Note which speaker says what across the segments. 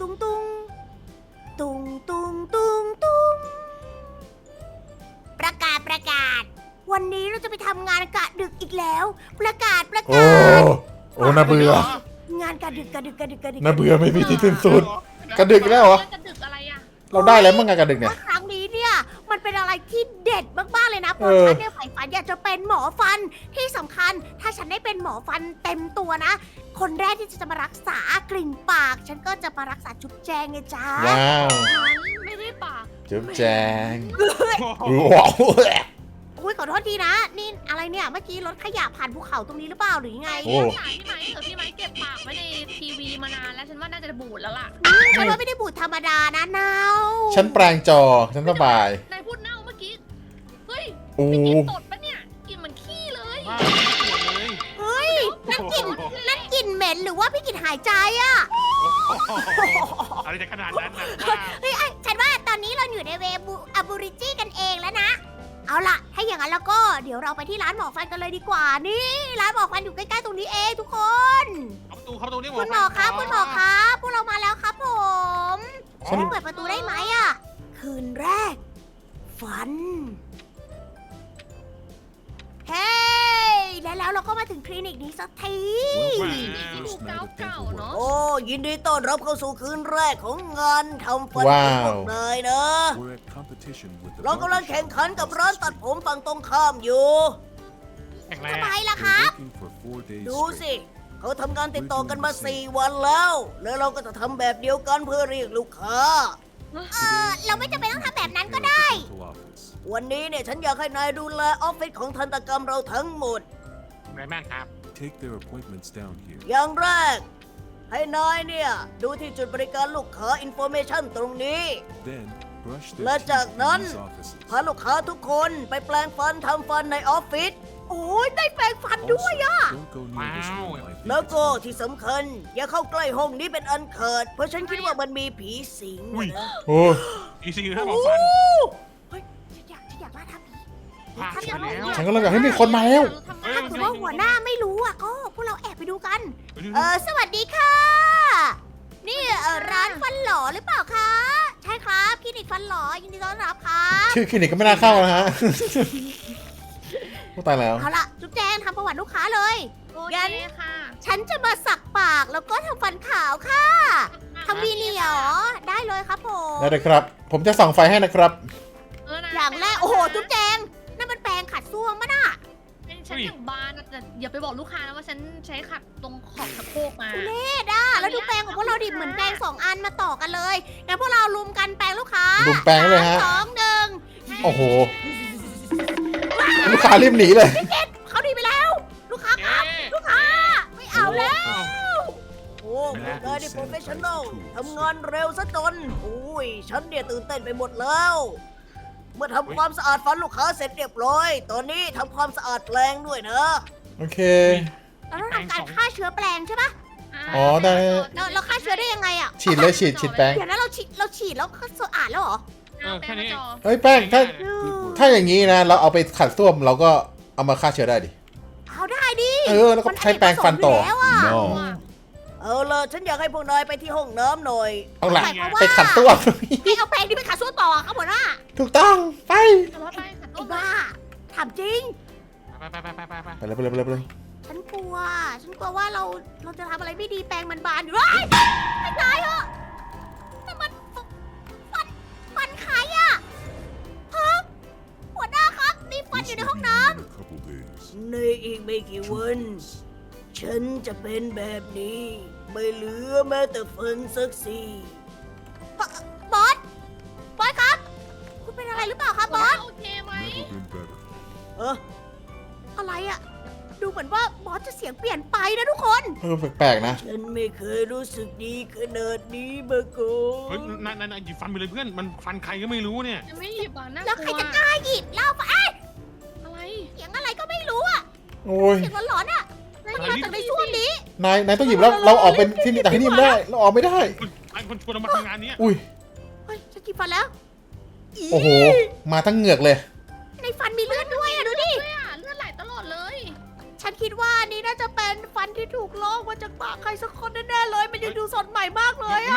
Speaker 1: ตุงตุงตุงตุงตุงตุงประกาศประกาศ วันนี้เราจะไปทำงานกะดึกอีกแล้ว ประกาศประ
Speaker 2: โอ้
Speaker 1: กาศ
Speaker 2: โอ้น่าเบื่อ
Speaker 1: งานกะดึกกะดึกกะดึกกะดึก
Speaker 2: น่าเบื่อไม่มีที่สิ้นสุด กระดึกแล้วเหรอ
Speaker 3: กระดึกอะไรอ่ะ
Speaker 2: เราได้แล้วมั่งไงกระดึกเนี่ย
Speaker 1: ว่าครั้งนี้เนี่ยมันเป็นอะไรที่เด็ดมากๆเลยนะเพ
Speaker 2: เอ
Speaker 1: ราะ
Speaker 2: อ
Speaker 1: ฉันเนี่ยใฝ่ฝันอยากจะเป็นหมอฟันที่สำคัญ ถ้าฉันได้เป็นหมอฟันเต็มตัวนะ คนแรกที่จะมารักษากลิ่นปาก ฉันก็จะมารักษาจุ๊บแจงไงจ้า
Speaker 2: ว้าว
Speaker 3: ฉันไม่ได้ปาก
Speaker 2: จุ๊บแจงว้าว
Speaker 1: อุ้ยขอโทษทีนะ นี่อะไรเนี่ยเมื่อกี้รถขยะผ่านภูเขาตรงนี้หรือเปล่าหรือยังไง
Speaker 2: โอ้
Speaker 3: พี่ไม้เก็บปากไว้ในทีวีมานานแล้วฉันว่าน่าจะบูดแล้วล่ะ
Speaker 1: ฉันว่าไม่ได้บูดธรรมดานะนาว
Speaker 2: ฉันแปลงจอ ฉันสบาย
Speaker 3: นายพูดเน่าเมื่อกี้ เฮ้ย
Speaker 2: โอ้
Speaker 3: ไม่กินตดปะเนี่ย กินเหมือนขี้เลย
Speaker 4: บ้าไม่ปวดเลย
Speaker 1: เฮ้ยนั่นกลิ่นเหม็นหรือว่าพี่กลิ่นหายใจอะ
Speaker 4: อะไรจะขนาดนั้นนะ
Speaker 1: เฮ้ยฉันว่าตอนนี้เราอยู่ในเวบูอาบูริจี้กันเองแล้วนะ เอาล่ะ ถ้าอย่างนั้นแล้วก็เดี๋ยวเราไปที่ร้านหมอฟันกันเลยดีกว่า นี่ ร้านหมอฟันอยู่ใกล้ๆตรงนี้เองทุกคน
Speaker 4: เข้าประตูนี่
Speaker 1: คุณหมอครับคุณหมอครับพวกเรามาแล้วครับผม
Speaker 2: ฉัน
Speaker 1: เปิดประตูได้ไหมอะคืนแรก ฝัน เฮ้ยแล้วเราก็มาถึงคลินิกนี้สักที
Speaker 3: ที่ดูเก่าๆเนาะ
Speaker 1: โอ้ยินดีต้อนรับเข้าสู่คืนแรกของงานทำฟัน
Speaker 2: ว้า
Speaker 1: ของพ
Speaker 2: ว
Speaker 1: วกนายนะ
Speaker 5: We're at competition with the
Speaker 1: เรากำลังแข่งขันกับร้านตัดผมฝั่งตรงข้ามอยู่
Speaker 4: แข็งแร
Speaker 1: ทำ
Speaker 4: ง
Speaker 1: ไมล่ะครับ
Speaker 5: We're working for 4 days
Speaker 1: ดูสิ
Speaker 5: straight.
Speaker 1: เขาทำงานติดต่อกันมา 4 วันแล้ว แล้วเราก็จะทำแบบเดียวกันเพื่อเรียกลูกค้า เราไม่จำเป็นต้องทำแบบนั้นก็ได้
Speaker 5: Dental office.
Speaker 1: วันนี้เนี่ยฉันอยากให้นายดูแลออฟฟิศของทันตกรรมเราทั้งหมด
Speaker 4: แรงมากครับ
Speaker 5: Take their appointments down here.
Speaker 1: อย่างแรก ให้นายเนี่ย ดูที่จุดบริการลูกค้าอินโฟเมชันตรงนี้
Speaker 5: Then brush their
Speaker 1: และ
Speaker 5: teeth
Speaker 1: จาก
Speaker 5: in
Speaker 1: นั้น
Speaker 5: these offices.
Speaker 1: พาลูกค้าทุกคนไปแปลงฟันทำฟันในออฟฟิศ โอ้ยได้แปลงฟัน
Speaker 5: Also,
Speaker 1: ด้วยอะ
Speaker 5: don't go near this
Speaker 4: Wow.
Speaker 5: room. I think
Speaker 1: แล้ว
Speaker 5: it's
Speaker 1: ก็
Speaker 5: haunted.
Speaker 1: ที่สำคัญ อย่าเข้าใกล้ห้องนี้เป็นอันเขิด เพราะฉันคิดว่ามันมีผีสิง
Speaker 4: อุ้ย
Speaker 1: นะ
Speaker 2: โอ้
Speaker 4: อีซีนะหม
Speaker 1: โอ้
Speaker 4: อฟัน
Speaker 1: เฮ้ยฉันอยากล่าท้าผี
Speaker 4: พลาดไปแล้ว
Speaker 2: ฉันก็เลยอยากให้มีคนมาแล้ว
Speaker 1: ถ้าเกิดว่าหัวหน้าไม่รู้อ่ะก็พวกเราแอบไปดูกัน
Speaker 4: เดี๋ยว
Speaker 1: สวัสดีค่ะ นี่ร้านฟันหล่อหรือเปล่าคะ ใช่ครับคลินิกฟันหล่อยินดีต้อนรับครับ
Speaker 2: ชื่อคลินิกก็ไม่น่าเข้านะฮะ พูดตายแล้ว
Speaker 1: เอาล่ะจุ๊บแจงทำประวัติลูกค้าเลย
Speaker 3: โอเค
Speaker 1: งั้น
Speaker 3: ค่ะ
Speaker 1: ฉันจะมาสักปากแล้วก็ทำฟันขาวค่ะทำวีเนียร์เหรอได้เลยครับผม
Speaker 2: ได้เลยครับ ผมจะส่องไฟให้นะครับ
Speaker 1: อย่างแรกโอ้โหจุ๊บแจงนั่นมันแปรงขัดซ่วมมะน่ะ
Speaker 3: เป็นฉันอย่างบานอะแต่อย่าไปบอกลูกค้านะว่าฉันใช้ขัดตรงขอบสะโพกมา
Speaker 1: ทุเรศอ่ะแล้วดูแปรงของพวกเราดิเหมือนแปรง2 อันมาต่อกันเลยงั้นพวกเราลุมกันแปรงลูกค้า
Speaker 2: ลุมแปรงเลยฮะ
Speaker 1: สองหนึ่ง
Speaker 2: โอ้โห ลูกค้ารีบหนีเลย
Speaker 1: เขาดีไปแล้ว ลูกค้าครับลูกค้าไม่เอาแล้ว โอ้พวกนายนี่โปรเฟชชั่นอลทำงานเร็วซะจนอุ้ยฉันเนี่ยตื่นเต้นไปหมดแล้ว เมื่อทำความสะอาดฟันลูกค้าเสร็จเรียบร้อย ตอนนี้ทำความสะอาดแปรงด้วยนะ
Speaker 2: โอเค
Speaker 1: เราต้องทำการฆ่าเชื้อแปรงใช่ปะ
Speaker 2: อ๋อได้
Speaker 1: เราฆ่าเชื้อได้ยังไงอ่ะ
Speaker 2: ฉีดเลยฉีดแป้ง
Speaker 1: เดี๋ยวนะเราฉีดแล้วก็สะอาดแล้วเหรอ
Speaker 3: แค่นี้
Speaker 2: เฮ้ยแป้งถ้า
Speaker 5: Good work.
Speaker 2: ถ้าอย่างนี้นะ เราเอาไปขัดส้วมเราก็เอามาฆ่าเชื้อได้ดิ
Speaker 1: เอาได้ดิ
Speaker 2: แล้วก็ใช้แปรงฟันต่อ
Speaker 1: มัอเนกประสงค์ยู่แล้วอะ
Speaker 2: No
Speaker 1: เอาล่ะฉันอยากให้พวกนายไปที่ห้องน้ำหน่อย
Speaker 2: เอาล่ะ
Speaker 1: หมยความว่า
Speaker 2: ไปขัดส้วม
Speaker 1: ให้เอาแปรงที่ไปขัดส้วมต่อครับหัวหน้า
Speaker 2: ถูกต้องไป
Speaker 3: จะรถไปขัด
Speaker 1: ไอ้
Speaker 3: ต้น
Speaker 1: บ้าถามจริง
Speaker 4: ไป
Speaker 2: ไปเลยไปเลยไปเลยไปเลย
Speaker 1: ฉันกลัวว่าเราจะทำอะไรไม่ดีแปรงมันบานอยู่เฮ้ยให้ตายเหอะแต่มันฟันใครอะฮะหัวหน้าครับมีฟัน
Speaker 5: This
Speaker 1: อยู่ใน
Speaker 5: will
Speaker 1: ห้อง
Speaker 5: be
Speaker 1: น้
Speaker 5: in a couple days.
Speaker 1: ำในอีกไม่กี่วัน ฉันจะเป็นแบบนี้ ไม่เหลือแม้แต่ฟันสักซี่บอสครับ คุณเป็นอะไรหรือเปล่าครับบอส
Speaker 3: โอเคไหม
Speaker 5: Never been better.
Speaker 1: อะไรอะดูเหมือนว่าบอสจะเสียงเปลี่ยนไปนะทุกคน
Speaker 2: แปลกๆนะ
Speaker 1: ฉันไม่เคยรู้สึกดีขนาดนี้มาก่อ
Speaker 4: เฮ้ย
Speaker 1: น
Speaker 4: นายหยิบฟันไปเลยเพื่อน มันฟันใครก็ไม่รู้เนี่ย
Speaker 3: ยังไม่หยิบอ่ะน่า
Speaker 1: แล้วใค
Speaker 3: ก
Speaker 1: ร
Speaker 3: ลัว
Speaker 1: จะกล้าหยิบเหล้าไป
Speaker 3: อะไร
Speaker 1: เสียงอะไรก็ไม่รู้อะ
Speaker 2: โอ้ย
Speaker 1: เสียงหลอนๆอะมันมาจากในส้วมนี้
Speaker 2: นายต้องหยิบแล้ว เราออกเป็นที่นี่แต่ที่นี่ไม่ได้ เราออกไม่ได้
Speaker 4: ไอ้คนชวนเรามาทำงานเนี้ย
Speaker 2: อุ้ย
Speaker 1: เฮ้ยฉันหยิบฟันแล้ว
Speaker 2: โอ้โห มาทั้งเหงือกเลย
Speaker 1: ในฟันมีเลือดด้วยอะดูดิ
Speaker 3: เลือดไหลตลอดเลย
Speaker 1: ฉันคิดว่านี่น่าจะเป็นฟันที่ถูกลอกมาจากปากใครสักคนแน่ๆเลย มันยังดูสดใหม่มากเลยอะ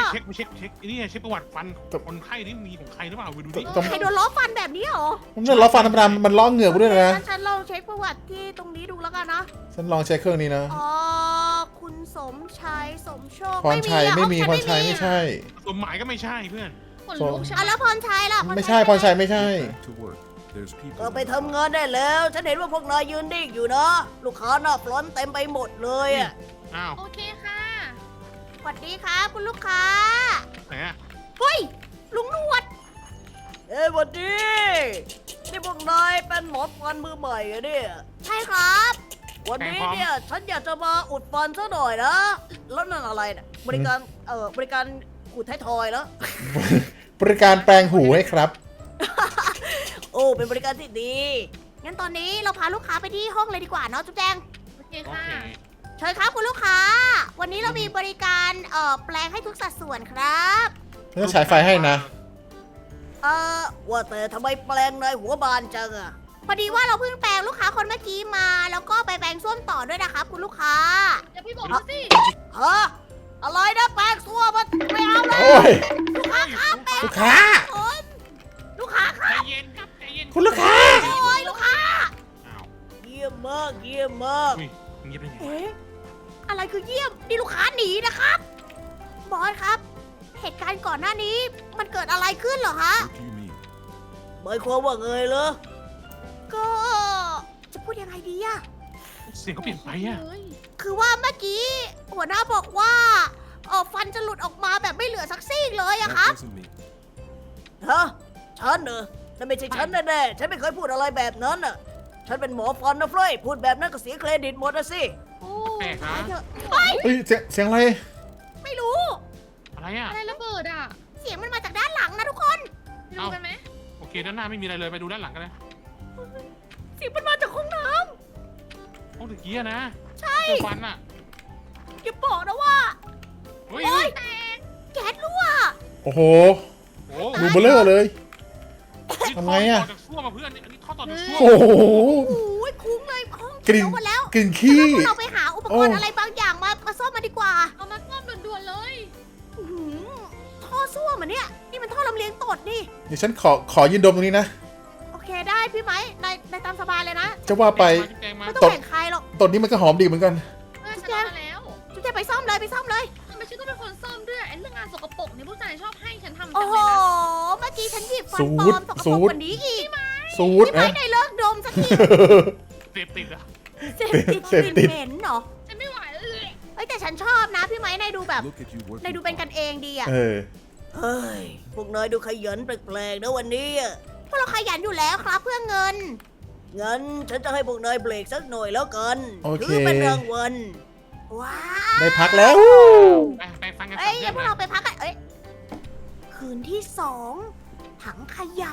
Speaker 4: เช็คไอ้นี่เช็คประวัติฟันคนไข้นี่มีของใครหรือเปล่าไปดูดิ
Speaker 2: ต้อง
Speaker 1: ใครโดนล้อฟันแบบนี้เหรอ
Speaker 2: ผมจะล้อฟันธรรมดามันล้อเหงือกกูด้วยนะ
Speaker 1: งั้นฉันลองเช็คประวัติที่ตรงนี้ดูแล้วกันนะ
Speaker 2: ฉันลองใช้เครื่องนี้นะ
Speaker 1: อ๋อคุณสมชายสมโชค
Speaker 2: พรชัยไม่มี
Speaker 1: อะ
Speaker 2: พรชัยไม่ใช่
Speaker 4: สมหมายก็ไม่ใช่เพื่อน
Speaker 3: ขนลุกใช่
Speaker 1: อ่ะ
Speaker 3: ไหม
Speaker 1: แล้วพรชัยล่ะ
Speaker 2: ไม่ใช่พรชัยไม่ใช่
Speaker 5: Back to work. There's people.
Speaker 1: ก็ไปทำงานได้แล้ว ฉันเห็นว่าพวกนายยืนดิ่งอยู่นะ ลูกค้าหน้าฟรอนต์เต็มไปหมดเลยอ่ะ
Speaker 4: อ้าว
Speaker 3: โอเคค่ะ
Speaker 1: สวัสดีครับคุณลูกค้า
Speaker 4: ไหนอะ
Speaker 1: เฮ้ย ลุงหนวด เอ้ยสวัสดี นี่พวกนายเป็นหมอฟันมือใหม่เหรอะเนี่ย ใช่ครับ วันนี้เนี่ยฉันอยากจะมาอุดฟันซะหน่อยนะ แล้วนั่นอะไรเนี่ยบริการบริการขูดไทยทอยแล้ว
Speaker 2: บริการแปลงหูให้ครับ
Speaker 1: โอ้เป็นบริการที่ดี งั้นตอนนี้เราพาลูกค้าไปที่ห้องเลยดีกว่าเนาะจุ๊บแจง
Speaker 3: โอเค
Speaker 4: โอ
Speaker 3: ค่ะ
Speaker 4: เค
Speaker 1: เชิญครับคุณลูกค้า วันนี้เรามีบริการแปลงให้ทุกสัดส่วนครับ
Speaker 2: ฉันจะฉายไฟให้นะ
Speaker 1: ว่าแต่ทำไมแปลงนายหัวบานจังอะพอดีว่าเราเพิ่งแปลงลูกค้าคนเมื่อกี้มา แล้วก็ไปแปลงส้วมต่อด้วยนะครับคุณลูกค้า
Speaker 3: เดี๋ยวพี่บอกมาสิ
Speaker 1: ฮะ อะไรนะแปลงส้วมมันไม่เอาเลย
Speaker 2: โอ้ย
Speaker 1: ลูกค้าครับแปลง
Speaker 2: ลูกค้า
Speaker 1: คนลูกค้าค
Speaker 4: ใจ
Speaker 1: รับ
Speaker 4: เย็นครับใจเย็น
Speaker 2: คุณลูกค้า
Speaker 1: โอ้ยลูกค้า
Speaker 4: อ้าว
Speaker 1: เยี่ยมมากเยี่ยมมาก
Speaker 4: อุ้ยเงียบได้ไง
Speaker 1: เอ๊ะ อะไรคือเยี่ยม นี่ลูกค้าหนีนะครับ บอสครับ เหตุการณ์ก่อนหน้านี้มันเกิดอะไรขึ้นเหรอฮะ
Speaker 5: What do you mean?
Speaker 1: หมายความว่าไงเหรอ ก็จะพูดยังไงดีอะ
Speaker 4: เสียงเขาเปลี่ยนไปอะ
Speaker 3: เฮ้ย
Speaker 1: คือว่าเมื่อกี้หัวหน้าบอกว่าฟันจะหลุดออกมาแบบไม่เหลือสักซี่เลยอะครับ
Speaker 5: That wasn't me.
Speaker 1: ฮะ ฉันเหรอนั่นไม่ใช่ฉันแน่ๆฉันไม่เคยพูดอะไรแบบนั้นอะฉันเป็นหมอฟันนะเฟรยพูดแบบนั้นก็เสียเครดิตหมดนะสิ
Speaker 3: โอ้
Speaker 4: แปลกนะ
Speaker 1: ไปเถอะเฮ้ย
Speaker 2: เฮ้ยเสียงอะไร
Speaker 1: ไม่รู้
Speaker 4: อะไรอะ
Speaker 3: อะไรระเบิดอ่ะ
Speaker 1: เสียงมันมาจากด้านหลังนะทุกคน
Speaker 3: ไปดูกันไหม
Speaker 4: โอเคด้านหน้าไม่มีอะไรเลยไปดูด้านหลังกันเลย
Speaker 1: เสียงมันมาจากห้องน้
Speaker 4: ห้องตะกี้อะนะ
Speaker 1: ำใช่
Speaker 4: เจอฟันอะ
Speaker 1: อย่าบอกนะว่า
Speaker 4: เฮ้ย
Speaker 1: โอ๊ยแก๊สรั่ว
Speaker 2: โอ้โห
Speaker 4: โอ้
Speaker 2: รูเบลเลอร์เลย
Speaker 4: นี่
Speaker 2: ทำไงอะ
Speaker 4: ท่ต่อจากซ่วมมาเพื่อนอันนี้ท่อต่อจากซ่วม
Speaker 2: โอ้โห
Speaker 1: โอ้ยคุ้งเลยห้อง
Speaker 2: กลิ่น
Speaker 1: เขียวหมดแล้ว
Speaker 2: กลิ่นขี้
Speaker 1: พวกเราไปหาอุปกรณ์
Speaker 2: โอ้
Speaker 1: อะไรบางอย่างมาซ่อมมาดีกว่า
Speaker 3: เอามาซ่อมด่วนๆเลย
Speaker 1: อื้อหือท่อส้วมเหมือนเนี่ย นี่มันท่อลำเลียงตดนี่
Speaker 2: เดี๋ยวฉันขอยืนดมตรงนี้นะ
Speaker 1: โอเคได้พี่ไหมนายตามสบายเลยนะ
Speaker 2: จะว่าไป
Speaker 4: แจงมา
Speaker 1: ไม่ต้อง
Speaker 2: ตด
Speaker 1: แบ่งใครหรอก
Speaker 2: ตอนนี้มันก็หอมดีเหมือนกัน
Speaker 3: เพื่อนฉันเอามาแล้ว
Speaker 1: จุ๊บแจงไปซ่อมเลยไปซ่อมเลย
Speaker 3: ทำไมฉันต้องเป็นคนซ่อมด้วยไอ้เรื่องงานสกปรกเนี่ยผู้ชายชอบให้ฉันทำจั
Speaker 1: โอ้
Speaker 3: ง
Speaker 1: โห
Speaker 3: เลยนะ
Speaker 1: เมื่อกี้ฉันหยิบฟัน
Speaker 2: สู
Speaker 1: ปล
Speaker 2: ต
Speaker 1: อ
Speaker 2: ร
Speaker 1: มสก
Speaker 2: สู
Speaker 1: ปรก
Speaker 2: ตร
Speaker 1: กว่านี้อีก
Speaker 2: สูตร
Speaker 1: พี่ไหม
Speaker 2: นะ
Speaker 1: นายเลิกดมสักที
Speaker 4: เสพติดอะ
Speaker 1: เสพติด
Speaker 2: เสพติด
Speaker 1: เหม็นเหรอ
Speaker 3: ฉันไม่ไหวเลย
Speaker 1: เฮ้ยแต่ฉันชอบนะพี่ไหมนายดูแบบ
Speaker 5: Look at you working.
Speaker 1: นายดูเป็นกันเองดีอะ
Speaker 2: เออ
Speaker 1: เฮ้ย พวกนายดูขยันแปลกๆนะวันนี้อะพวกเราขยันอยู่แล้วครับเพื่อเงิน งั้นฉันจะให้พวกนายเบรกสักหน่อยแล้วกัน
Speaker 2: โอเค
Speaker 1: ถือเป็นรางวัล ว้าว
Speaker 2: ได้พักแล้ว
Speaker 4: ไปฟังกัน
Speaker 1: เอ้ย
Speaker 4: สาม
Speaker 1: งั้นพวก
Speaker 4: เรื่
Speaker 1: เรา
Speaker 4: อง
Speaker 1: ไปพักกัน เอ้ย คืนที่สองถังขยะ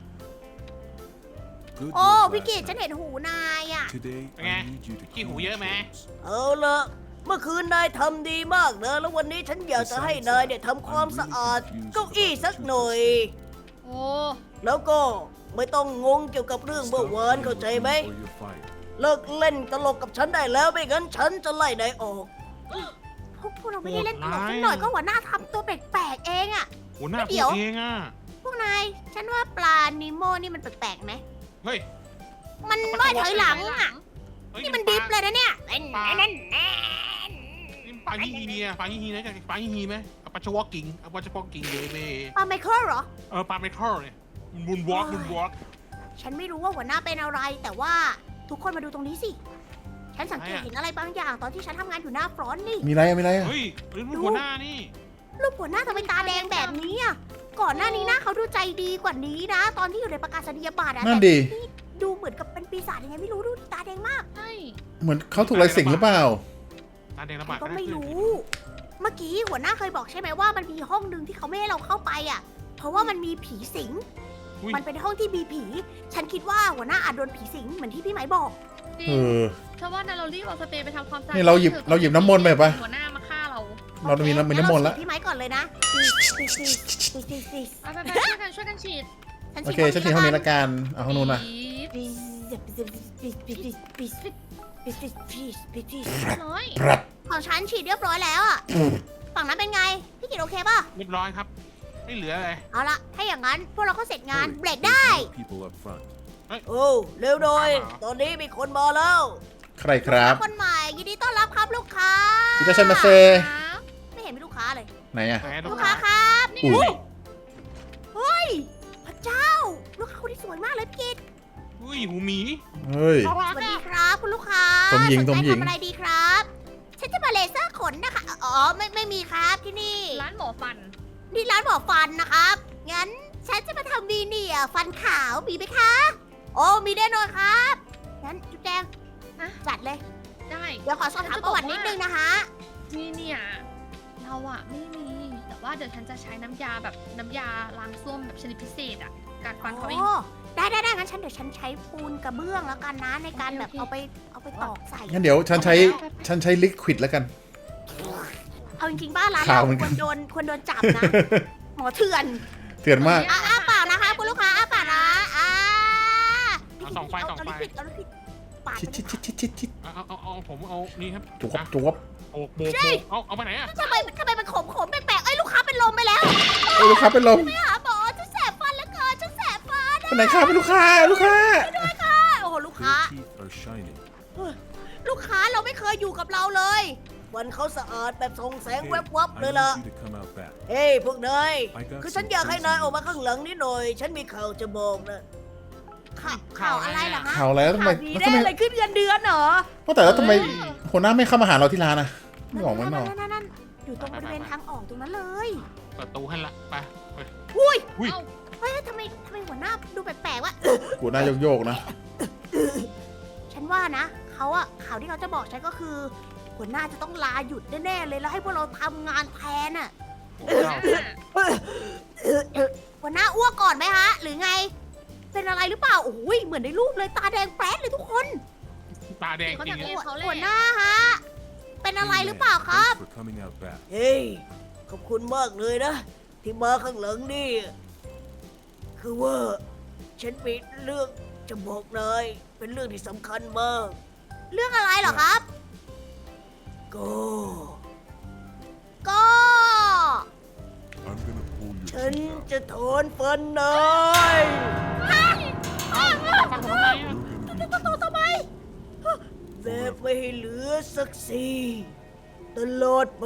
Speaker 5: Good
Speaker 1: โอ้
Speaker 5: work
Speaker 1: พี่
Speaker 5: last
Speaker 1: กิตฉัน
Speaker 5: night.
Speaker 1: เห็นหูนายอะ
Speaker 5: Today,
Speaker 4: Okay.
Speaker 5: I need you to
Speaker 4: ขี้หู
Speaker 5: clean
Speaker 4: เยอะไหม
Speaker 5: the floors.
Speaker 1: เอาละเมื่อคืนนายทำดีมากนะแล้ววันนี้ฉันอยากจะให้นายเนี่ยทำความสะอาดเก้าอี้สักหน่อย
Speaker 3: โอ้
Speaker 1: แล้วก็ไม่ต้องงงเกี่ยวกับเรื่องเมื่อ
Speaker 5: Stop
Speaker 1: วานเข้าใจไหม
Speaker 5: or you're fired.
Speaker 1: เลิกเล่นตลกกับฉันได้แล้วไม่งั้นฉันจะไล่นายออก พวกเราไม่ได้เล่นตลกสักหน่อยก็หัวหน้าทำตัวแปลกๆเองอะ
Speaker 4: หัวหน้า
Speaker 1: เดี๋
Speaker 4: พู
Speaker 1: ยว
Speaker 4: ดเองอะ
Speaker 1: พวกนาย ฉันว่าปลานิโมนี่มันแปลกๆไหม
Speaker 4: เฮ้ย
Speaker 1: มันว่ายถอยหลังอะ
Speaker 4: เฮ้ย
Speaker 1: นี่มันดิฟเลยนะเนี่ยไอ้นั่นแน่
Speaker 4: นี่ปลาฮีฮีเนี่ยปลาฮีฮีนะจากปลาฮีฮีไหมเอาปลาชวอกิ้งเอาปลาชวอกิ้งเลยเว้ย
Speaker 1: ปลาไมเคิลเหรอ
Speaker 4: ปลาเมทัลเนี่ยบุนวอล์กบุนวอล์ก
Speaker 1: ฉันไม่รู้ว่าหัวหน้าเป็นอะไร แต่ว่าทุกคนมาดูตรงนี้สิ ฉันสังเกตเห็นอะไรบางอย่างตอนที่ฉันทำงานอยู่หน้าฟรอนต์นี่
Speaker 2: มีอะไรอะมีอะไรอะ
Speaker 4: เฮ้ยนี่มันหัวหน้านี่
Speaker 1: รูปหัวหน้าทำไมตาแดงแบบนี้อ่ะ ก่อนหน้านี้หน้าเขาดูใจดีกว่านี้นะ ตอนที่อยู่ในประกาศนียบัตรอะ
Speaker 2: นั่น
Speaker 1: แต่
Speaker 2: ดิ
Speaker 1: นี่ดูเหมือนกับเป็นปีศาจยังไงไม่รู้ดูตาแดงมาก
Speaker 3: ใช่
Speaker 2: เหมือนเขาถูกอะไรสิงหรือเปล่า
Speaker 4: ตาแดงระ
Speaker 1: ฉั
Speaker 4: บาด
Speaker 1: นก็ไม่รู้ เมื่อกี้หัวหน้าเคยบอกใช่ไหมว่ามันมีห้องหนึ่งที่เขาไม่ให้เราเข้าไปอ่ะ เพราะว่ามันมีผีสิง มันเป็นห้องที่มีผี ฉันคิดว่าหัวหน้าอาจโดนผีสิงเหมือนที่พี่ไหมบอก
Speaker 3: จริ
Speaker 2: เอง อ
Speaker 3: เพราะว่าเรารีบเอาสเปรย์ไปทำความสะอาด
Speaker 2: นี่เราหยิบน้ำมนต์ไปปะ
Speaker 3: หัวหน้ามาฆ่าเรา
Speaker 2: เรามีน้ำมนต์แล้ว
Speaker 1: งั้เราฉีดพี่ไม้ก่อนเลยนะฉีด
Speaker 3: ไปช่วยกันฉีด
Speaker 2: โอเคฉันถึงห้องนี้ละกันเอาห้องนู้นนะ
Speaker 3: น้อย
Speaker 2: ปรับ
Speaker 1: ของฉันฉีดเรียบร้อยแล้วอ่ะ ฝั่งนั้นเป็นไง พี่กิจโอเคป่ะ
Speaker 4: เรียบร้อยครับ ไม่เหลืออะไร
Speaker 1: เอาละถ้าอย่างนั้นพวกเราก็เสร็จงาน
Speaker 5: Hurry,
Speaker 1: เบรก
Speaker 5: there's
Speaker 1: ได้
Speaker 5: more people up front.
Speaker 1: โอ้เร็วหน่อย ตอนนี้มีคนมาแล้ว
Speaker 2: ใครครับ
Speaker 1: คนใหม่ยินดีต้อนรับครับลูกค้า
Speaker 2: อิตาชันมาเซ
Speaker 3: ครับ
Speaker 1: ไม่เห็นมีลูกค้าเลย
Speaker 2: ไหนอะ
Speaker 4: แหม
Speaker 1: ลูกค้าครับ
Speaker 2: อุ้ย
Speaker 1: เฮ้ยพระเจ้า ลูกค้าคนนี้สวยมากเลยพี่กิต
Speaker 4: อุ้ยหูหมี
Speaker 2: เฮ้ย
Speaker 1: สวัสดีครับคุณลูกค้า
Speaker 2: สมหญิง
Speaker 1: สนใจ
Speaker 2: สมหญิง
Speaker 1: ทำอะไรดีครับ ฉันจะมาเลเซอร์ขนนะคะ อ๋อไม่มีครับที่นี่
Speaker 3: ร้านหมอฟัน
Speaker 1: นี่ร้านหมอฟันนะครับ งั้นฉันจะมาทำวีเนียร์ฟันขาวมีไหมคะ โอ้มีแน่นอนครับ งั้นจุ๊บแจง
Speaker 3: ฮะ
Speaker 1: จัดเลย
Speaker 3: ได้
Speaker 1: เดี๋ยวขอสอบถามประวัตินิดนึงนะคะ
Speaker 3: นี่เนี่ยเราอะไม่มี แต่ว่าเดี๋ยวฉันจะใช้น้ำยาแบบน้ำยาล้างส้วมแบบชนิดพิเศษอะการฟันเขาเอง
Speaker 1: โอ้ได้งั้นเดี๋ยวฉันใช้ปูนกระเบื้องแล้วกันนะในการแบบ
Speaker 3: โอเค
Speaker 1: เอาไปตอกใส่
Speaker 2: งั้นเดี๋ยวฉันใช้ลิควิดแล้วกัน
Speaker 1: เอาจริงๆบ้านร้าน
Speaker 2: ข่า
Speaker 1: เรา
Speaker 2: วเหมือน
Speaker 1: ค
Speaker 2: กั
Speaker 1: วน รโดนจับนะ หมอเถื่อน
Speaker 2: เถื่อนมาก
Speaker 1: อ้าปากนะคะคุณลูกค้าอ้าปากนะ
Speaker 4: เอาส่องไฟ
Speaker 1: เอาลิควิดปาด
Speaker 2: ชิด
Speaker 4: เอาผมเอานี่ครับ
Speaker 2: จวบ
Speaker 4: อ่ะ
Speaker 2: จวบ
Speaker 4: โบกเอาไปไหนอะ
Speaker 1: ทำไมมันขมแปลกๆไอ้ยลูกค้าเป็นลมไปแล้ว
Speaker 2: เอ้ยลูกค้าเป็นลม
Speaker 1: ไปหาหมอฉันแสบฟันแล้วเกินฉันแสบฟัน
Speaker 2: เป็นไหนครับเป็นลูกค้า
Speaker 1: โอ้โหลูกค้า
Speaker 5: Your teeth are shining.
Speaker 1: ลูกค้าเราไม่เคยอยู่กับเราเลย วันเขาสะอาดแบบส่องแสง
Speaker 5: Hey,
Speaker 1: แวบๆ
Speaker 5: I
Speaker 1: เลยล่ะ
Speaker 5: need you to come out back.
Speaker 1: เฮ้ยพวกนาย
Speaker 5: I got
Speaker 1: คือฉัน
Speaker 5: some
Speaker 1: อยากให้
Speaker 5: crazy
Speaker 1: นายออกมา
Speaker 5: news.
Speaker 1: ข้างหลังนิดหน่อย ฉันมีข่าวจะบอกนะ ข่าวอะไรเหรอฮะ
Speaker 2: ข่าวอะไรแล้วทำไม
Speaker 1: ข่าวดี
Speaker 2: แล้ว
Speaker 1: แน่
Speaker 2: ทำไม
Speaker 1: เลยขึ้นเงินเดือนเหรอ
Speaker 2: ว่าแต่แล้วทำไมหัวหน้าไม่เข้ามาหาเราที่ร้านอะไม่ออกมาหนอก
Speaker 1: นั่นอยู่ตรงบริเวณทางออกตรงนั้นเลย
Speaker 4: เปิดตู้ให้ละไป
Speaker 1: อุ้ย
Speaker 4: อุ้ย
Speaker 3: เอ้า
Speaker 1: เฮ้ยทำไมหัวหน้าดูแปลกๆวะ
Speaker 2: หัวหน้าโยกๆนะ
Speaker 1: ฉันว่านะเขาอะข่าวที่เขาจะบอกฉันก็คือ หัวหน้าจะต้องลาหยุดแน่ๆเลยแล้วให้พวกเราทำงานแทนอะ หัวหน้าอ้วกก่อนไหมฮะ หรือไง เป็นอะไรหรือเปล่าโอ้ยเหมือนในรูปเลยตาแดงแป๊ดเลยทุกคน
Speaker 4: ตาแดง
Speaker 3: เขา
Speaker 4: จริ
Speaker 3: จะ
Speaker 4: ง
Speaker 3: เรีย
Speaker 4: อะ
Speaker 3: กเขาเลย
Speaker 1: หัวหน้าฮะ เป็นอะไร
Speaker 5: Hey,
Speaker 1: หรือ
Speaker 5: man,
Speaker 1: เปล่าครับ
Speaker 5: thanks for coming out back.
Speaker 1: เฮ้ย ขอบคุณมากเลยนะ ที่มาข้างหลังนี่ คือว่า ฉันมีเรื่องจะบอกนายเป็นเรื่องที่สำคัญมาก เรื่องอะไรเหรอครับ ก็
Speaker 5: I'm gonna pull your
Speaker 1: ฉัน
Speaker 5: teeth out.
Speaker 1: จะถอนฟันนาย
Speaker 4: ฟังผมทำไมอะ
Speaker 5: You're gonna be
Speaker 1: ทำไม แบบไม่ให้เหลือสักสี่ตลอดไป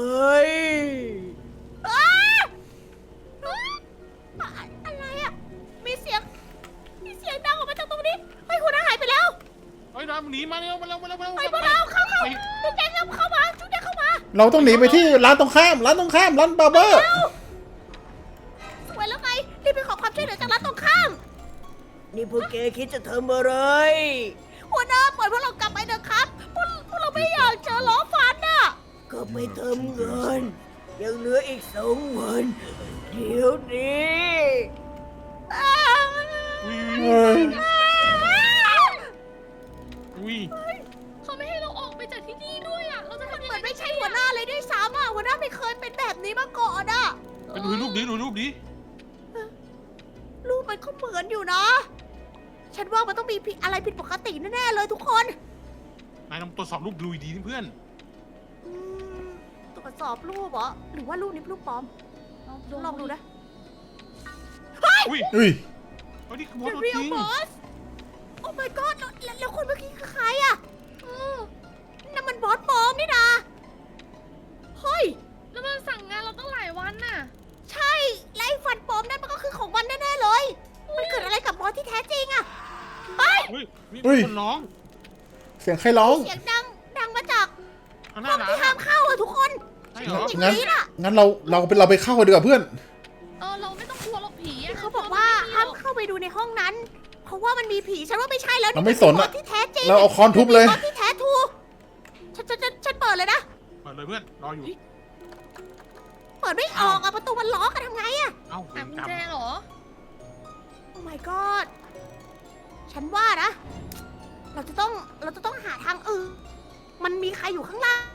Speaker 1: อะไรอ่ะ มีเสียงดังออกมาจากตรงนี้เฮ้ยหัวหน้าหายไปแล้ว
Speaker 4: เฮ้ยน้ำหนีมาเร็วมาเร็ว
Speaker 1: ไปพวกเราเข้าจุ๊บแจงเข้ามาจุ๊บแจงเข้ามา
Speaker 2: เราต้องหนีไปที่ร้านตรงข้าม ร้านบาร์เบอร์
Speaker 1: สวยแล้วไงรีบไปขอความช่วยเหลือจากร้านตรงข้าม นี่พวกแกคิดจะทำอะไร หัวหน้าปล่อยพวกเรากลับไปเถอะครับพวกเราไม่อยากเจอล้อฟันน่ะ ก็ไปทำเงิน ยังเหลืออีก2 วัน เดี๋ยวนี้
Speaker 2: เฮ้ย
Speaker 4: อุ้ย
Speaker 3: เขาไม่ให้เราออกไปจากที่นี่ด้วยอะเราจะทำยัง
Speaker 1: เหมื
Speaker 3: ไง
Speaker 1: อนไม่ใช่หัวหน้าเลยด้วยซ้ำอ่ะหัวหน้าไม่เคยเป็นแบบนี้มาก่อนอ่ะ
Speaker 4: ไปดูรูปดิ
Speaker 1: รูปมันก็เหมือนอยู่นะ ฉันว่ามันต้องมีอะไรผิดปกติแน่ๆเลยทุกคน
Speaker 4: นายต้องตรวจสอบรูปดูดีนี่เพื่อน
Speaker 1: อืมตรวจสอบรูปเหรอ หรือว่ารูปนี้เป็นรูปปลอม ลองดูนะ
Speaker 4: อุ้ย
Speaker 2: อุ้ย
Speaker 4: เฮ้ยนี่คือ
Speaker 1: The
Speaker 4: ตัวจ
Speaker 1: real
Speaker 4: ริง
Speaker 1: boss Oh my god แล้วคนเมื่อกี้คือใครอ่ะนั่นมันบอสปลอมนี่นะเฮ้ย
Speaker 3: แล้วมันสั่งงานเราตั้งหลายวันน่ะ
Speaker 1: ใช่ และไอ้ฟันปลอมนั่นมันก็คือของมันแน่ๆเลย มันเกิดอะไรกับบอสที่แท้จริงอ่ะเฮ้ย
Speaker 4: เฮ้ยนี่
Speaker 2: อุ้ย
Speaker 4: คนร้อง
Speaker 2: เสียงใครร้อง
Speaker 1: เสียงดังมาจาก
Speaker 4: ข้างห
Speaker 1: ห้
Speaker 4: น้า
Speaker 1: อง
Speaker 4: ร้าน
Speaker 1: ที่ห้ามเข้าอ่ะทุกคน
Speaker 4: ใช่เหรอ
Speaker 1: อย่าง
Speaker 2: งั้น
Speaker 1: นี้น่ะ
Speaker 2: งั้นเราไปเข้ากันดีกว่าเพื่อน
Speaker 3: เราไม่ต้องกลัวหรอกผีอะ
Speaker 1: เขาบอกว่าห้ามเข้าไปดูในห้องนั้น เพราะว่ามันมีผีฉันว่าไม่ใช่แล้ว
Speaker 2: เราไม่สน
Speaker 1: บอ
Speaker 2: อะ
Speaker 1: สที่แท้จริง
Speaker 2: เราเอาค้อนทุบเลย
Speaker 1: บอสที่แท้ทูฉันเปิดเลยนะ
Speaker 4: เปิดเลยเพื่อน รออยู่
Speaker 1: เปิดไม่ออกอะประตูมันล็อกอะทำไงอะ
Speaker 4: เอ้า
Speaker 3: หากุญ
Speaker 4: กรรม
Speaker 3: แจเหรอ
Speaker 1: โอ้ my god ฉันว่านะ เราจะต้องหาทางอื่น มันมีใครอยู่ข้างล่าง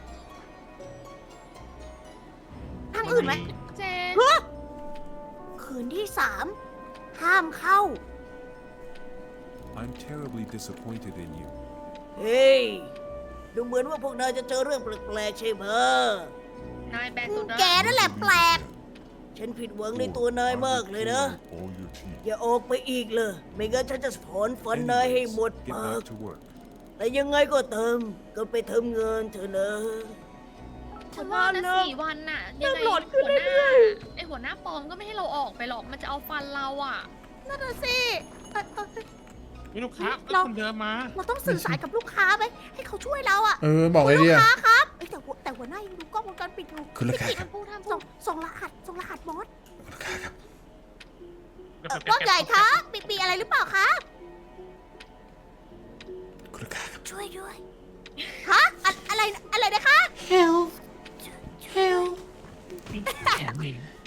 Speaker 1: ทางอื่นไหม
Speaker 3: เจ
Speaker 1: เฮ้ยคืนที่ 3 ห้ามเข้า
Speaker 5: I'm terribly disappointed in you.
Speaker 1: เฮ้ย ดูเหมือนว่าพวกนายจะเจอเรื่องแปลกๆใช่ไหม
Speaker 3: นายแปลกสุดนะ
Speaker 1: แกนั่นแหละแปลกฉันผิดหวังในตัวนายมากเลยนะ
Speaker 5: All your teeth.
Speaker 1: อย่าออกไปอีกเลย ไม่งั้นฉันจะถอนฟันนายให้หมด
Speaker 5: Get
Speaker 1: ปาก
Speaker 5: back to work.
Speaker 1: แต่ยังไงก็ตามก็ไปทำงานเถอะนะ
Speaker 3: ฉันว่านะ4 วันน่ะยังไง
Speaker 1: โหลดขึ้น
Speaker 3: หัวหน้า
Speaker 1: เรื่อย
Speaker 3: ไอหัวหน้าปลอมก็ไม่ให้เราออกไปหรอกมันจะเอาฟันเราอ่ะ
Speaker 1: นั่นน่ะสิเอ่อเอ่อ
Speaker 4: มีลูกค้า
Speaker 1: เรา
Speaker 4: คนเดิมมา
Speaker 1: เราต้องสื่อสารกับลูกค้าไหมให้เขาช่วยเราอะ
Speaker 2: บอกไง
Speaker 1: ลู
Speaker 2: ดี
Speaker 1: ก
Speaker 2: อะ
Speaker 1: ค้าครับเอ้ยแต่หัวหน้ายังดูกล้องวงจรปิดอยู่
Speaker 2: คุณลูกค้า
Speaker 1: พี่
Speaker 2: ครับ
Speaker 1: กิตส่งรหัสบอส
Speaker 2: ลูกค้าครับ
Speaker 1: ว่าใหญ่ครับมีอะไรหรือเปล่าครับ
Speaker 2: คุณลูกค้าครับ
Speaker 1: ช่วยด้วยฮะอะไรนะคะ
Speaker 2: help help
Speaker 4: แขนเอง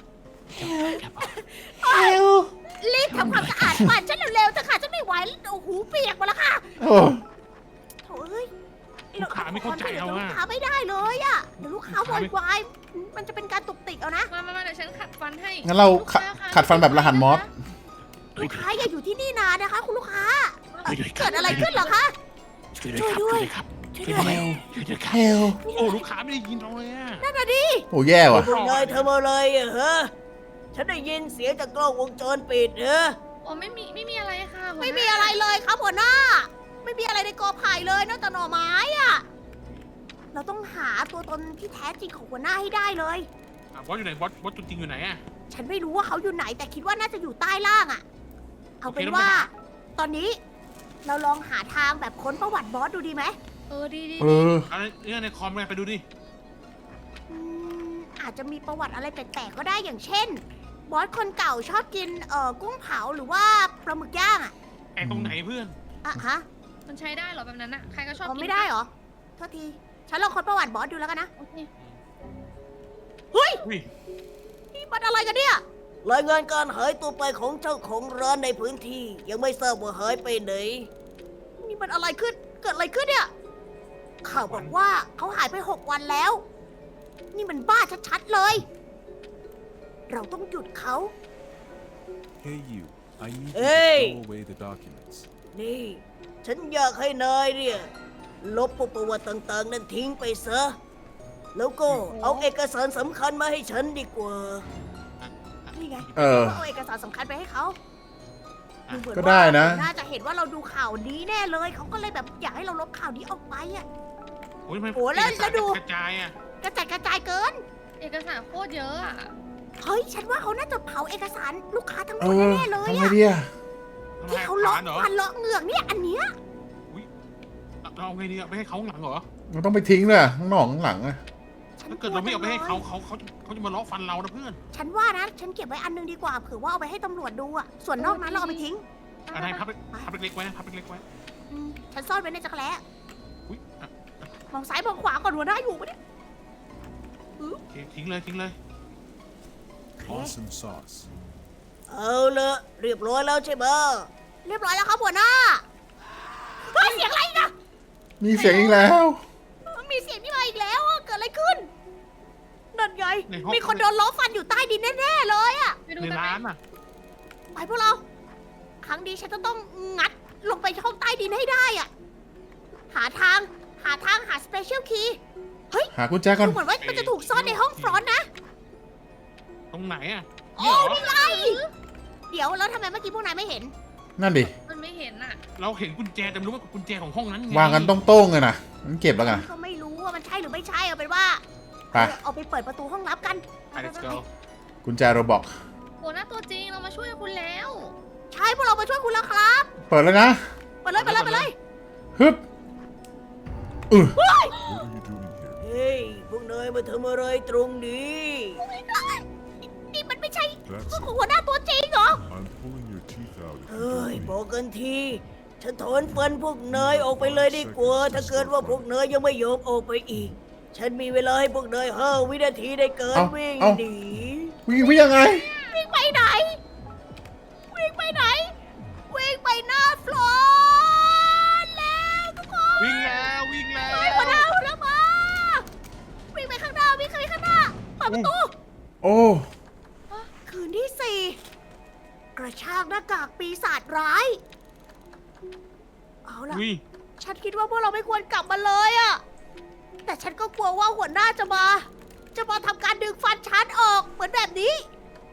Speaker 2: help
Speaker 1: รีบทำความสะอาดบ้านฉันเร็วๆเถอะค่ะฉันไม่ไหวแล้วโอ้โหเปียกหมดแล้วค่ะ
Speaker 2: โอ้
Speaker 1: โถ่เอ้ย
Speaker 4: ลูกค้าไม่เข้าใจเรา
Speaker 1: ลู
Speaker 4: อะ
Speaker 1: กค้าไม่ได้เลยอะเดี๋ยวลูกค้าโวยวายมันจะเป็นการตุกติกเอานะ
Speaker 3: มาเดี๋ยวฉันขัดฟันให้
Speaker 2: งั้นเรา
Speaker 3: ลูกค้าคะ
Speaker 2: ขัดฟันแบบรหัสมอส
Speaker 1: ลูกค้าอย่าอยู่ที่นี่นานนะคะ คุณลูกค้า
Speaker 4: ช่วยด้วยคบ
Speaker 1: เกิดอะไรขึ้นเหรอคะ
Speaker 4: ช่วยด้วยครับ
Speaker 1: ช่วย
Speaker 4: ช่วย
Speaker 1: ด้วย
Speaker 4: ด้วยครับ
Speaker 2: help
Speaker 4: โอ้ลูกค้าไม่ได้ยินเราเลยอะ
Speaker 1: นั่นน่ะดิ
Speaker 2: โอ้แย่ว่ะ
Speaker 1: พวกนายทำอะไรอะฮะ ฉันได้ยินเสียงจากกล้องวงจรปิดเนอะ
Speaker 3: โอ้ไม่มีอะไรค่ะหัวหน้า
Speaker 1: ไม่มีอะไรเลยครับหัวหน้า ไม่มีอะไรในกอไผ่เลยนอกจากหน่อไม้อะเราต้องหาตัวตนที่แท้จริงของหัวหน้าให้ได้เลย
Speaker 4: บอสอยู่ไหนบอสตัวจริงอยู่ไหนอะ
Speaker 1: ฉันไม่รู้ว่าเขาอยู่ไหนแต่คิดว่าน่าจะอยู่ใต้ล่างอะเอาเป็นว่า ตอนนี้เราลองหาทางแบบค้นประวัติบอสดูดีไหม
Speaker 3: ดี
Speaker 2: เออ
Speaker 4: เอาเนี่ยในคอมไปดูดิ
Speaker 1: อืมอาจจะมีประวัติอะไรแปลกๆก็ได้อย่างเช่น บอสคนเก่าชอบกินกุ้งเผาหรือว่าปลาหมึกย่างอะ
Speaker 4: แอบตรงไหนเพื่อน
Speaker 1: อะฮะ
Speaker 3: มันใช้ได้เหรอแบบนั้นอะใครก็ชอบ
Speaker 1: อ๋อ
Speaker 3: กิน
Speaker 1: ไม่ได้เหรอโทษที ฉันลองค้นประวัติบอสดูแล้วกันนะ
Speaker 3: โอเค
Speaker 1: เฮ้ย
Speaker 4: อุ้ย
Speaker 1: นี่มันอะไรกันเนี่ย รายงานการหายตัวไปของเจ้าของร้านในพื้นที่ ยังไม่ทราบว่าหายไปไหน นี่มันอะไรขึ้น เกิดอะไรขึ้นเนี่ย ข่าวบอกว่าเขาหายไป6 วันแล้ว นี่มันบ้าชัดๆเลย เราต้องหยุดเขา
Speaker 5: Hey you. I need you
Speaker 1: Hey.
Speaker 5: to throw away the documents.
Speaker 1: นี่ ฉันอยากให้นายเนี่ย ลบพวกประวัติต่างๆ นั้นทิ้งไปซะ แล้วก็เอาเอกสารสำคัญมาให้ฉันดีกว่า นี่ไง
Speaker 2: เออ
Speaker 1: เอาเอกสารสำคัญไปให้เขาดูเหมือน
Speaker 2: ก็ได้นะ
Speaker 1: ว่าน่าจะเห็นว่าเราดูข่าวนี้แน่เลย เขาก็เลยแบบอยากให้เราลบข่าวนี้ออกไปอะ
Speaker 4: โอ้ยทำไม
Speaker 1: โอ้แล้ว
Speaker 4: เอกสาร
Speaker 1: ดู
Speaker 4: กระจายอะ
Speaker 1: กระจัดกระจายเกิน
Speaker 3: เอกสารโคตรเยอะอะ
Speaker 1: เฮ้ย ฉันว่าเขาน่าจะเผาเอกสารลูกค้าทั้งหม
Speaker 2: เอ
Speaker 1: ด
Speaker 2: อ
Speaker 1: แน่ๆเลย
Speaker 2: ทำไง
Speaker 1: อะ
Speaker 2: ดีอะ
Speaker 1: ที่เขาเลาะ
Speaker 4: เหรอ
Speaker 1: ฟันเลาะเหงือกเนี่ยอันเนี้ย
Speaker 4: เราเอาไงดีอะไม่ให้เขาข้างหลังเหรอ
Speaker 2: มันต้องไปทิ้งเลยข้างนอกข้างหลังอะ
Speaker 1: ฉัน
Speaker 4: ถ้าเกิดเราไม่เอาไปให้เขาจะมาล้อฟันเรานะเพื่อน
Speaker 1: ฉันว่านะ ฉันเก็บไว้อันนึงดีกว่าเผื่อว่าเอาไปให้ตำรวจดูอะส่วนนอกนั้นเราเอาไปทิ้ง
Speaker 4: อะไรพับเล็กๆไว้นะพับเล็กๆไว้
Speaker 1: อืมฉันซ่อนไว้ในจักรแล้
Speaker 4: อุ้ยอ่ะ
Speaker 1: มองซ้ายมองขวาก่อนหัวหน้าอยู่ปะเนี่ย
Speaker 4: โอเคทิ้งเลย
Speaker 5: Awesome sauce.
Speaker 1: เอาละเรียบร้อยแล้วใช่ไหมเรียบร้อยแล้วครับหัวหน้าเฮ้ยเสียงอะไรอีกอะ
Speaker 2: มีเสียงอีกแล้ว
Speaker 1: มีเสียงนี่มาอีกแล้วอะเกิดอะไรขึ้น นั่นไง
Speaker 4: ในห้อง
Speaker 1: มีคนโดนล้อฟันอยู่ใต้ดินแน่ๆเลยอะ
Speaker 3: ไปดู
Speaker 4: ใน
Speaker 3: กันไหม
Speaker 4: ร้านอะ
Speaker 1: ไปพวกเรา ครั้งนี้ฉันจะต้องงัดลงไปช่องใต้ดินให้ได้อะหาทางหาสเปเชียลคีย์
Speaker 2: หากุญแจก่อน
Speaker 1: ดูเหมือนว่ามันจะถูกซ่อนในห้องฟรอนต์นะ
Speaker 4: ตรงไหนอะ
Speaker 1: โอ้นี่ไง เดี๋ยวแล้วทำไมเมื่อกี้พวกนายไม่เห็น
Speaker 2: นั่นดิ
Speaker 3: มันไม่เห็นอะ
Speaker 4: เราเห็นกุญแจแต่ไม่รู้ว่ากุญแจของห้องนั้นไง
Speaker 2: วางกันต้องโต้งเลยนะมันเก็บแล้วกัน
Speaker 1: ก็ไม่รู้ว่ามันใช่หรือไม่ใช่เอาเป็นว่า
Speaker 2: ไป
Speaker 1: เอาไปเปิดประตูห้องลับกัน
Speaker 4: ไป let's go
Speaker 2: กุญแจโรบอก
Speaker 3: หัวหน้าตัวจริงเรามาช่วยคุณแล้ว
Speaker 1: ใช่พวกเรามาช่วยคุณแล้วครับ
Speaker 2: เปิดแล้วนะ
Speaker 1: ไปเลย
Speaker 2: ฮึบ
Speaker 5: What are you doing here?
Speaker 1: เฮ้ยพวกนายมาทำอะไรตรงนี้ นี่มันไม่ใช่
Speaker 5: That's
Speaker 1: ของ
Speaker 5: it.
Speaker 1: หัวหน้าตัวจริงเหรอ
Speaker 5: I'm pulling your teeth out if you
Speaker 1: เฮ้ย
Speaker 5: don't
Speaker 1: บ
Speaker 5: leave.
Speaker 1: อกกันที ฉันถอนฟันพวกนายออกไปเลยดีกว่า ถ้าเกิดว่าพวกนายยังไม่ยอมออกไปอีก ฉันมีเวลาให้พวกนาย5 วินาทีในการวิ่งหนี
Speaker 2: วิ่งยังไง
Speaker 1: วิ่งไปไหน วิ่งไปไหน วิ่งไปหน้าฟลอร์แล้วทุกคน
Speaker 4: วิ่งแล้ว
Speaker 1: เฮ้ยหัวหน้ามา วิ่งไปข้างหน้า วิ่งไปข้างหน้าเปิดประตู
Speaker 2: โอ้
Speaker 1: คืนที่ 4 กระชากหน้ากากปีศาจร้าย เอาล่ะ
Speaker 4: อุ้ย
Speaker 1: ฉันคิดว่าพวกเราไม่ควรกลับมาเลยอะแต่ฉันก็กลัวว่าหัวหน้าจะมาทำการดึงฟันฉันออกเหมือนแบบนี้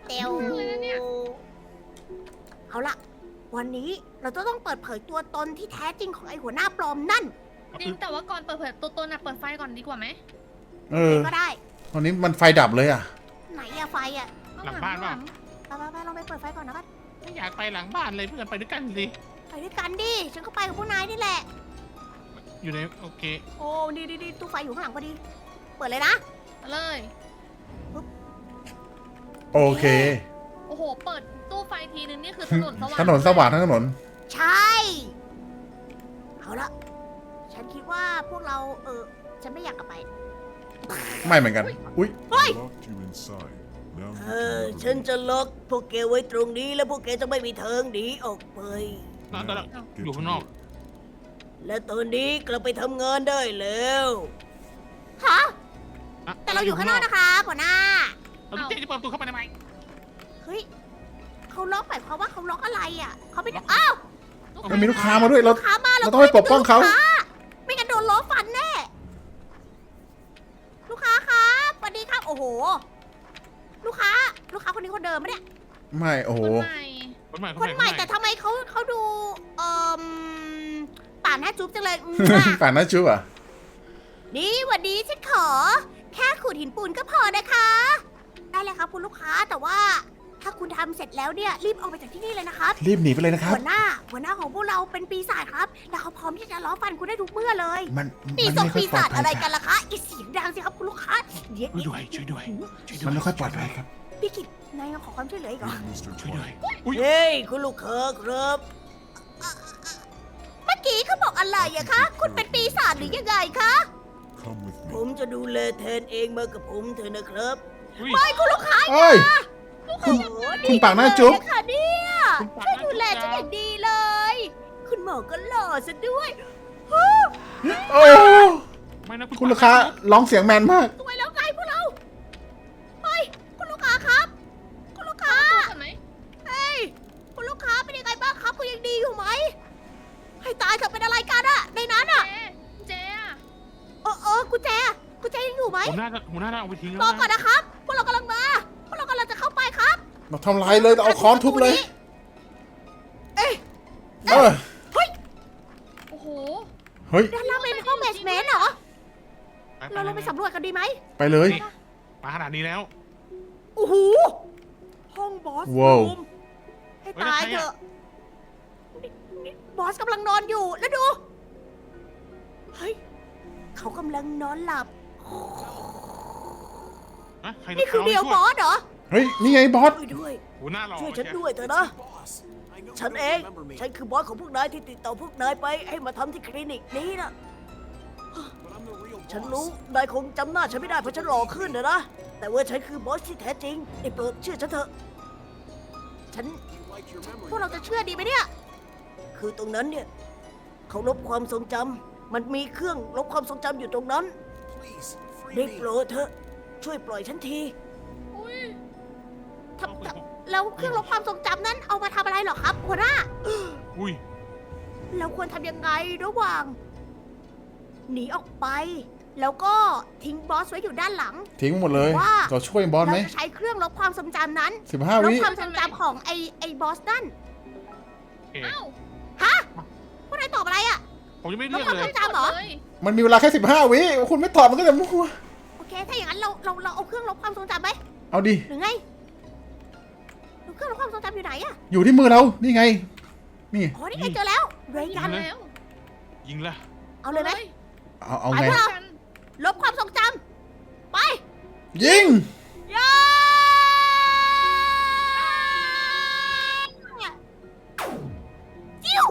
Speaker 1: อนนี้เราจะต้องเปิดเผยตัวตนที่แท้จริงของไอ้หัวหน้าปลอมนั่น
Speaker 3: จริงแต่ว่าก่อนเปิดเผยตัวตนอะเปิดไฟก่อนดีกว่าไหม
Speaker 2: เออ
Speaker 1: ก็ได้
Speaker 2: ตอนนี้มันไฟดับเลยอ่ะ
Speaker 1: ไหนอะไฟอะ
Speaker 4: หลังบ้านเปล่า
Speaker 1: ไปลองไปเปิดไฟก่อนนะกัน
Speaker 4: ไม่อยากไปหลังบ้านเลยเพื่อนไปด้วยกันสิ
Speaker 1: ไปด้วยกันดิ ฉันก็ไปกับพวกนายนี่แหละ
Speaker 4: อยู่ในโอเค
Speaker 1: โอ้ดีตู้ไฟอยู่ข้างหลังพอดี เปิดเลยนะ
Speaker 3: เอาเลย
Speaker 2: โอเค
Speaker 3: โอ้โห เปิดตู้ไฟทีนึงนี่คือถนนสว่าง
Speaker 2: ถนนสว่างทั้งถนน
Speaker 1: ใช่ เอาละ ฉันคิดว่าพวกเรา ฉันไม่อยากกลับไป
Speaker 2: ไม่เหมือนกัน อุ้ย
Speaker 5: I locked you inside. Now you can
Speaker 1: ฉัน
Speaker 5: never
Speaker 1: จะล็อกพวกแกไว้ตรงนี้แล้วพวกแกจะไม่มีทางหนีออกไป
Speaker 4: ตอนนั้น
Speaker 5: get
Speaker 4: อยู่
Speaker 5: to
Speaker 4: ข้างนอก
Speaker 5: work.
Speaker 1: และตอนนี้กลับไปทำงานได้แล้วฮะ
Speaker 4: อะ
Speaker 1: แต่เราอยู่ข้างนอกนะคะหัวหน้า
Speaker 4: เราเจ๊จะเปิดประตูเข้าไปทำไม
Speaker 1: เฮ้ยเขาล็อกหมายความว่าเขาล็อกอะไรอ่ะเขาไม่ได้อ้าว
Speaker 2: มันมีลูกค้ามาด้วยเรา
Speaker 1: ลูกค้ามา
Speaker 2: เราต้องไปปกป้องเขา
Speaker 1: ลูค้ไม่งั้นโดนล้อฟันแน่ ลูกค้าครับสวัสดีครับ โอ้โห ลูกค้าคนนี้คนเดิมปะเนี่ย
Speaker 2: ไม่ โอ้โห
Speaker 3: คนใหม่
Speaker 4: คนใหม่
Speaker 1: คนใหม่แต่ทำไมเขาดูป่านหน้าจุ๊บจังเลย
Speaker 2: ป่านนั้นชุบอ่ะ
Speaker 1: นี่หวันดีฉันขอ แค่ขูดหินปูนก็พอนะคะ ได้เลยครับคุณลูกค้าแต่ว่า ถ้าคุณทำเสร็จแล้วเนี่ยรีบออกไปจากที่นี่เลยนะครับ
Speaker 2: รีบหนีไปเลยนะครับ
Speaker 1: หัวหน้าของพวกเราเป็นปีศาจครับ แล้วเขาพร้อมที่จะล้อฟันคุณได้ทุกเมื่อเลย
Speaker 2: มัน
Speaker 1: ปี
Speaker 2: มัน
Speaker 1: ศาจ
Speaker 2: ไม่ค่อ
Speaker 1: ปี
Speaker 2: ยปลอ
Speaker 1: ศา
Speaker 2: ด
Speaker 1: จ
Speaker 2: ภัย
Speaker 1: อะไรกั
Speaker 2: ค่ะ
Speaker 1: นล่ะคะอีเสียงดังสิครับคุณลูกค้าเดี๋ยว
Speaker 4: ช่วยด้วยช่วยด้วย
Speaker 2: มันไม่ค่อยปลอดภัยครับ
Speaker 1: พี่กิตนายมาขอความช่วยเหลืออีกเหรอ
Speaker 5: Hey, Mr.
Speaker 4: ช่วยด้วย
Speaker 5: Clark.
Speaker 4: อุ้ย
Speaker 1: เฮ้ยคุณลูกค้าครับเมื่อกี้เขาบอกอะไรอะคะ คุณเป็นปีศาจหรือยังไงคะ
Speaker 5: Come with
Speaker 1: ผ
Speaker 5: me.
Speaker 1: มจะดูแลแทนเองมากับผมเถอะนะครับ
Speaker 4: อุ้ย
Speaker 1: ไม่คุณลูกค้า
Speaker 2: เอ้ย คุณ
Speaker 1: โอ้โห
Speaker 2: คุณปากหน้าจุ๊บ
Speaker 1: ดีเลยค่ะเนี่ย
Speaker 4: คุณปาก
Speaker 1: ช่วย
Speaker 4: หน้า
Speaker 1: ดูแล
Speaker 4: จุ๊
Speaker 1: ฉัน
Speaker 4: บ
Speaker 1: อย่างดีเลย คุณหมอก็หล่อซะด้วย
Speaker 2: โอ้
Speaker 4: ไม่นะ
Speaker 2: คุณลูกค้าร้องเสียงแมนมาก
Speaker 1: สวยแล้วไงพวกเรา เฮ้ย คุณลูกค้าครับ คุณลูกค้า
Speaker 3: ก่อนไหม
Speaker 1: เฮ้ย คุณลูกค้าเป็นยังไงบ้างครับคุณยังดีอยู่ไหม ให้ตายเถอะเป็นอะไรกันอะในนั้นอะ
Speaker 3: เจ๊อะ
Speaker 1: กุญแจยังอยู่ไหม
Speaker 4: ผมน่าจะเอาไปทิ้งแล้ว
Speaker 1: รอก่อน
Speaker 4: นะ
Speaker 1: นะครับ พวกเรากำลังมา พวกเรากำลังจะเข้าไปครับ
Speaker 2: เราทำลายเลยเราเอาค้อนทุบเลย
Speaker 1: เอ้ย
Speaker 2: เออ
Speaker 3: โอ้โห
Speaker 2: เฮ้ย
Speaker 1: ด้านล่างเป็นห้องเบสเมนต์เหรอ
Speaker 4: ไป
Speaker 1: เราลงไปสำรวจกันดีไหม
Speaker 2: ไปเลย
Speaker 4: มาขนาดนี้แล้ว
Speaker 1: โอ้โห ห้องบอส
Speaker 2: ว้าว
Speaker 1: รูมให้ตายเถอะนี่บอสกำลังนอนอยู่ แล้วดู เฮ้ย เขากำลังนอนหลับ
Speaker 4: ใคร
Speaker 1: นี่คือเดียวบอสเหรอ
Speaker 2: เฮ้ย นี่ไงบอส
Speaker 1: ช่วยด้วย
Speaker 4: หัวหน้าหล่อ
Speaker 1: ช่วยฉันด้วยเถอะนะ ฉันเอง ฉันคือบอสของพวกนายที่ติดต่อพวกนายไปให้มาทำที่คลินิกนี้นะ ฉันรู้ นายคงจำหน้าฉันไม่ได้เพราะฉันหล่อขึ้นนะ แต่ว่าฉันคือบอสที่แท้จริงได้โปรดเชื่อฉันเถอะ ฉัน พวกเราจะเชื่อดีไหมเนี่ย คือตรงนั้นเนี่ย เขาลบความทรงจำ มันมีเครื่องลบความทรงจำอยู่ตรงนั้นได้โปรดเถอะ ช่วยปล่อยฉันที
Speaker 3: อุ้ย
Speaker 1: แล้วเครื่องลบความทรงจำนั้นเอามาทำอะไรเหรอครับหัวหน้า
Speaker 4: อุ้ย
Speaker 1: เราควรทำยังไงระหว่าง หนีออกไป แล้วก็ทิ้งบอสไว้อยู่ด้านหลัง
Speaker 2: ทิ้งหมดเลย
Speaker 1: ว่า
Speaker 2: เราช่วยบอส
Speaker 1: เรา
Speaker 2: ไหม
Speaker 1: จะใช้เครื่องลบความทรงจำนั้น
Speaker 2: 15
Speaker 1: ลบ
Speaker 2: วิ
Speaker 1: ความทรงจำของไอ้บอสนั่น
Speaker 4: โอเค
Speaker 3: เอ้า
Speaker 1: ฮะพวกนายตอบอะไรอะ
Speaker 4: ผมยังไม่
Speaker 1: ล
Speaker 4: เลื
Speaker 1: บอก ความ
Speaker 4: เล
Speaker 1: ทร
Speaker 4: ย
Speaker 1: งจำเหรอ
Speaker 3: เลย
Speaker 2: มันมีเวลาแค่ 15 วิ คุณไม่ตอบมันก็จะมั่ว
Speaker 1: โอเค ถ้าอย่างนั้นเราเอาเครื่องลบความทรงจำไหม
Speaker 2: เอาดิ
Speaker 1: หรือไงเครื่องลบความทรงจำอยู่ไหนอะ
Speaker 2: อยู่ที่มือเรา นี่ไง นี่
Speaker 1: อ๋อนี่ไงเจอแล้วเรย์กัน
Speaker 3: แล้ว
Speaker 4: ยิงละ
Speaker 1: เอาเลยไหม
Speaker 2: เอาไง
Speaker 1: ไปพวกเรา
Speaker 3: กัน
Speaker 1: ลบความทรงจำไป
Speaker 2: ยิง
Speaker 1: ย่าจิ้ว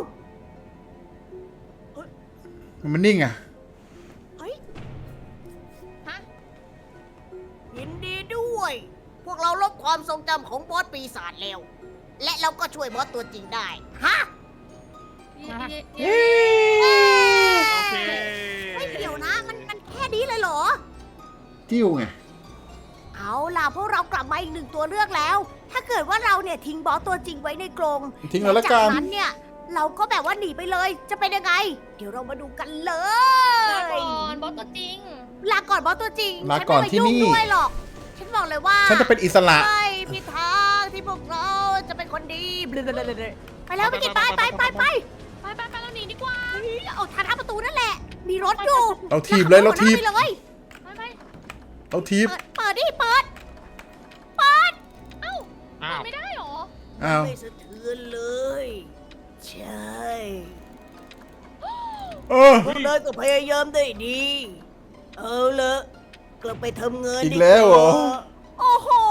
Speaker 2: มันนิ่งอ่ะ
Speaker 1: เฮ้ย
Speaker 3: ฮะ
Speaker 1: ยินดีด้วย พวกเราลบความทรงจำของบอสปีศาจแล้ว และเราก็ช่วยบอสตัวจริงได้ ฮะ
Speaker 3: เย้
Speaker 4: โอเค
Speaker 1: ไม่เกี่ยวนะ มันแค่นี้เลยเหรอ
Speaker 2: จิ้วไง
Speaker 1: เอาล่ะพวกเรากลับมาอีกหนึ่งตัวเลือกแล้ว ถ้าเกิดว่าเราเนี่ยทิ้งบอสตัวจริงไว้ในกรง
Speaker 2: ทิ้งแล้วละ
Speaker 1: จาก
Speaker 2: กัน
Speaker 1: นั้นเนี่ย เราก็แบบว่าหนีไปเลย จะเป็นยังไง เดี๋ยวเรามาดูกันเล
Speaker 3: ลาย ก่อนบอสตัวจริง
Speaker 1: ลาก่อนบอสตัวจริง
Speaker 2: ลาก่อน
Speaker 1: ฉั
Speaker 2: ที่
Speaker 1: ไม่มา
Speaker 2: นี่
Speaker 1: ยุ่งด้วยหรอก ฉันบอกเลยว่า
Speaker 2: ฉันจะเป็นอิสระ
Speaker 1: ไม่มีทางที่พวกเราจะเป็นคนดีไปแล้วพี่กิตไป
Speaker 3: ไปเราหนีดีกว่า
Speaker 1: เอาทางหน้าประตูนั่นแหละ มีรถอยู่
Speaker 2: เราทีบเลยเราทีบ
Speaker 1: ไปเลย
Speaker 3: ไป
Speaker 2: เราทีบ
Speaker 1: เปิดดิเปิด
Speaker 3: เอ้า
Speaker 4: อ้าว
Speaker 3: ไม่ได้หรอ
Speaker 2: อ้าว
Speaker 1: ไม่สะเทือนเลย ใช่
Speaker 2: เออ
Speaker 1: พวกนายก็พยายามได้ดี เอาละกลับไปทำงาน
Speaker 2: อีกแล้วเหรอ
Speaker 1: โอ้โห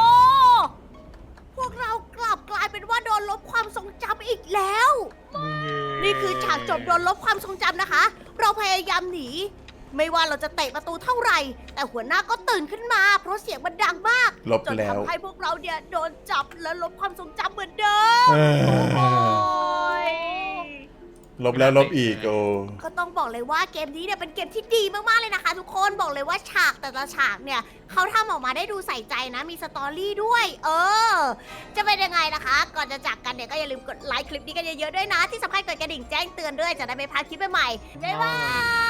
Speaker 1: พวกเรากลับกลายเป็นว่าโดนลบความทรงจำอีกแล้ว นี่คือฉากจบโดนลบความทรงจำนะคะ เราพยายามหนี ไม่ว่าเราจะเตะประตูเท่าไหร่ แต่หัวหน้าก็ตื่นขึ้นมา เพราะเสียงมันดังมาก
Speaker 2: ลบ
Speaker 1: จน
Speaker 2: แล้ว
Speaker 1: ทำให้พวกเราเนี่ยโดนจับและลบความทรงจำเหมือนเดิม
Speaker 2: เออ
Speaker 1: โอ้ย
Speaker 2: ลบแล้วลบอีกโอ้
Speaker 1: ก็ต้องบอกเลยว่าเกมนี้เนี่ยเป็นเกมที่ดีมากๆเลยนะคะ ทุกคนบอกเลยว่าฉากแต่ละฉากเนี่ยเขาทำออกมาได้ดูใส่ใจนะมีสตอรี่ด้วย จะเป็นยังไงนะคะ ก่อนจะจากกันเนี่ยก็อย่าลืมกดไลค์คลิปนี้กันเยอะๆด้วยนะ ที่สำคัญกดกระดิ่งแจ้งเตือนด้วยจะได้ไม่พลาดคลิปใหม่ๆบ๊ายบาย